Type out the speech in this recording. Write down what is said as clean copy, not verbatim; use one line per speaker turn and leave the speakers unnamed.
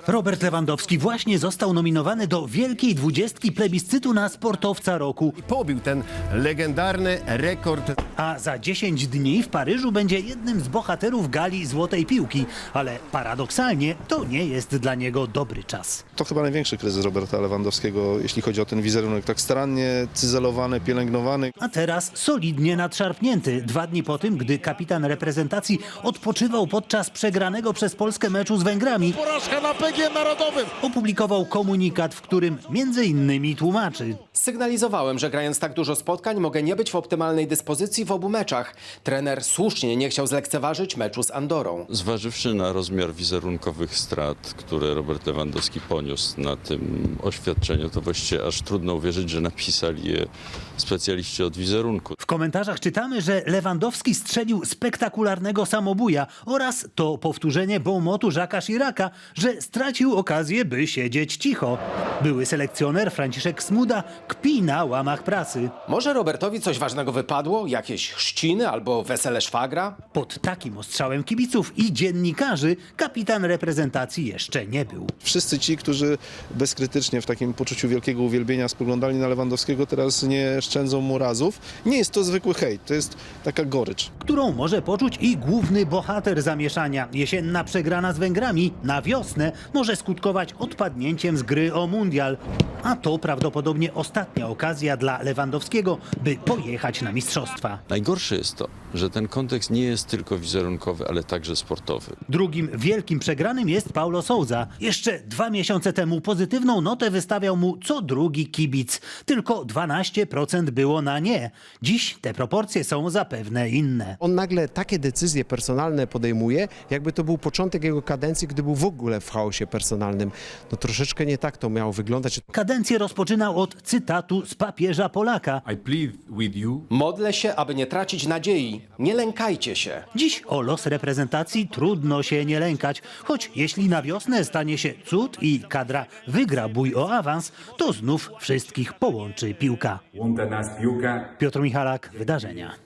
Robert Lewandowski właśnie został nominowany do Wielkiej Dwudziestki plebiscytu na sportowca roku.
I pobił ten legendarny rekord.
A za 10 dni w Paryżu będzie jednym z bohaterów gali Złotej Piłki. Ale paradoksalnie to nie jest dla niego dobry czas.
To chyba największy kryzys Roberta Lewandowskiego, jeśli chodzi o ten wizerunek. Tak starannie cyzelowany, pielęgnowany.
A teraz solidnie nadszarpnięty. 2 dni po tym, gdy kapitan reprezentacji odpoczywał podczas przegranego przez Polskę meczu z Węgrami,
Porażka na PG Narodowym.
opublikował komunikat, w którym między innymi tłumaczy.
Sygnalizowałem, że grając tak dużo spotkań mogę nie być w optymalnej dyspozycji w obu meczach. Trener słusznie nie chciał zlekceważyć meczu z Andorą.
Zważywszy na rozmiar wizerunkowych strat, które Robert Lewandowski poniósł na tym oświadczeniu, to właściwie aż trudno uwierzyć, że napisali je specjaliści od wizerunku.
W komentarzach czytamy, że Lewandowski strzelił spektakularnego samobuja oraz to powtórzenie bonmotu Jacques'a Chiraca, że stracił okazję, by siedzieć cicho. Były selekcjoner Franciszek Smuda kpi na łamach prasy.
Może Robertowi coś ważnego wypadło? Jakieś chrzciny albo wesele szwagra?
Pod takim ostrzałem kibiców i dziennikarzy kapitan reprezentacji jeszcze nie był.
Wszyscy ci, którzy bezkrytycznie w takim poczuciu wielkiego uwielbienia spoglądali na Lewandowskiego, teraz nie szczędzą mu razów. Nie jest to zwykły hejt, to jest taka gorycz.
Którą może poczuć i główny bohater zamieszania. Jesienna przegrana z Węgrami na wiosnę może skutkować odpadnięciem z gry o mundial. A to prawdopodobnie ostatnia okazja dla Lewandowskiego, by pojechać na mistrzostwa.
Najgorsze jest to, że ten kontekst nie jest tylko wizerunkowy, ale także sportowy.
Drugim wielkim przegranym jest Paulo Sousa. Jeszcze 2 miesiące temu pozytywną notę wystawiał mu co drugi kibic. Tylko 12% było na nie. Dziś te proporcje są zapewne inne.
On nagle takie decyzje personalne podejmuje, jakby to był początek jego kadencji, gdy był w ogóle w chaosie personalnym. No troszeczkę nie tak to miało wyglądać.
Kadencję rozpoczynał od cytatu z papieża Polaka.
I plead with you.
Modlę się, aby nie tracić nadziei. Nie lękajcie się.
Dziś o los reprezentacji trudno się nie lękać, choć jeśli na wiosnę stanie się cud i kadra wygra bój o awans, to znów wszystkich połączy piłka.
Łączy nas piłka.
Piotr Michalak, Wydarzenia.